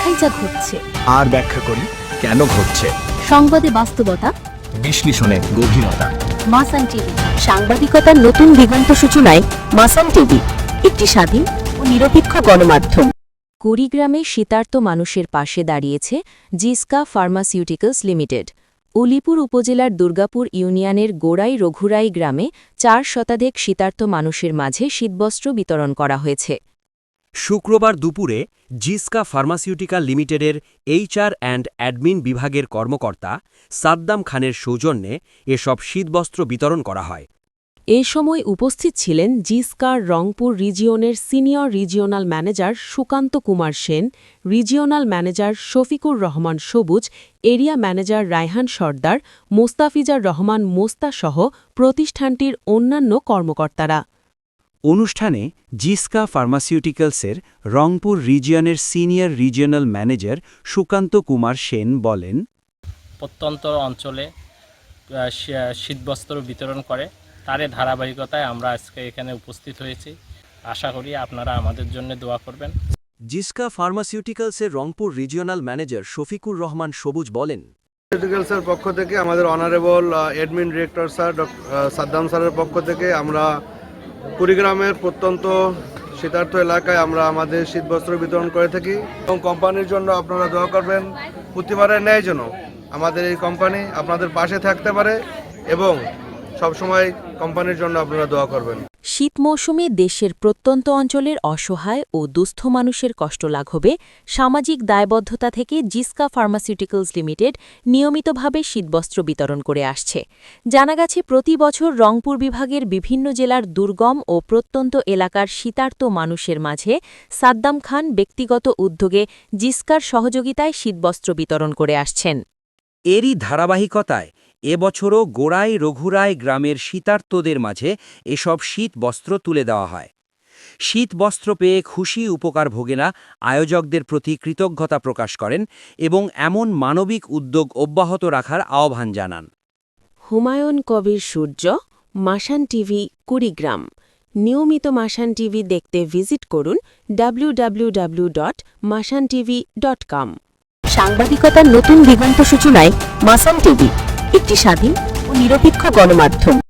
দেখাই যা ঘটছে, আর ব্যাখ্যা করি কেন ঘটছে। সংবাদে বাস্তবতা, বিশ্লেষণে গভীরতা। মাসান টিভি, সাংবাদিকতার নতুন দিগন্ত সূচনায় মাসান টিভি, একটি স্বাধীন ও নিরপেক্ষ গণমাধ্যম। কুড়িগ্রামে শীতার্ত মানুষের পাশে দাঁড়িয়েছে জিসকা ফার্মাসিউটিক্যালস লিমিটেড। উলিপুর উপজেলার দুর্গাপুর ইউনিয়নের গোড়াই রঘুরাই গ্রামে 4 শতাধিক শীতার্ত মানুষের মাঝে শীতবস্ত্র বিতরণ করা হয়েছে। শুক্রবার দুপুরে জিসকা ফার্মাসিউটিক্যাল লিমিটেডের এইচআর অ্যান্ড অ্যাডমিন বিভাগের কর্মকর্তা সাদ্দাম খানের সৌজন্যে এসব শীতবস্ত্র বিতরণ করা হয়। এ সময় উপস্থিত ছিলেন জিসকার রংপুর রিজিয়নের senior regional manager Sukanta Kumar Sen, regional manager Shafiqur Rahman Sabuj, area manager Raihan Sardar, Mostafizar Rahman মোস্তাসহ প্রতিষ্ঠানটির অন্যান্য কর্মকর্তারা। অনুষ্ঠানে জিসকা ফার্মাসিউটিক্যালসের রংপুর রিজিয়নের senior regional manager Sukanta Kumar Sen বলেন, প্রত্যন্ত অঞ্চলে শীতবস্ত্র বিতরণ করে তারই ধারাবাহিকতায় আমরা আজকে এখানে উপস্থিত হয়েছি। আশা করি আপনারা আমাদের জন্য দোয়া করবেন। জিসকা ফার্মাসিউটিক্যালসের রংপুর রিজিওনাল ম্যানেজার শফিকুর রহমান সবুজ বলেন, ফার্মাসিউটিক্যালসের পক্ষ থেকে আমাদের honourable admin director sir Saddam স্যারের পক্ষ থেকে আমরা কুড়িগ্রামের প্রত্যন্ত শীতার্থ এলাকায় আমরা আমাদের শীতবস্ত্র বিতরণ করে থাকি এবং কোম্পানির জন্য আপনারা দোয়া করবেন প্রতিবারের ন্যায় যেন আমাদের এই কোম্পানি আপনাদের পাশে থাকতে পারে এবং সবসময় কোম্পানির জন্য আপনারা দোয়া করবেন। শীত মৌসুমে দেশের প্রত্যন্ত অঞ্চলের অসহায় ও দুস্থ মানুষের কষ্ট লাঘবে সামাজিক দায়বদ্ধতা থেকে জিসকা ফার্মাসিউটিক্যালস লিমিটেড নিয়মিতভাবে শীতবস্ত্র বিতরণ করে আসছে। জানা গেছে প্রতি বছর রংপুর বিভাগের বিভিন্ন জেলার দুর্গম ও প্রত্যন্ত এলাকার শীতার্ত মানুষের মাঝে সাদ্দাম খান ব্যক্তিগত উদ্যোগে জিসকার সহযোগিতায় শীতবস্ত্র বিতরণ করে আসছেন। এরই ধারাবাহিকতায় এবছরও গোড়াই রঘুরাই গ্রামের শীতার্তদের মাঝে এসব শীতবস্ত্র তুলে দেওয়া হয়। শীতবস্ত্র পেয়ে খুশি উপকার ভোগেরা আয়োজকদের প্রতি কৃতজ্ঞতা প্রকাশ করেন এবং এমন মানবিক উদ্যোগ অব্যাহত রাখার আহ্বান জানান। হুমায়ুন কবির সূর্য, মাসান টিভি, কুড়িগ্রাম। নিয়মিত মাসান টিভি দেখতে ভিজিট করুন www.masantv.com। সাংবাদিকতার নতুন দিগন্ত সূচনায় মাসান টিভি, একটি স্বাধীন ও নিরপেক্ষ গণমাধ্যম।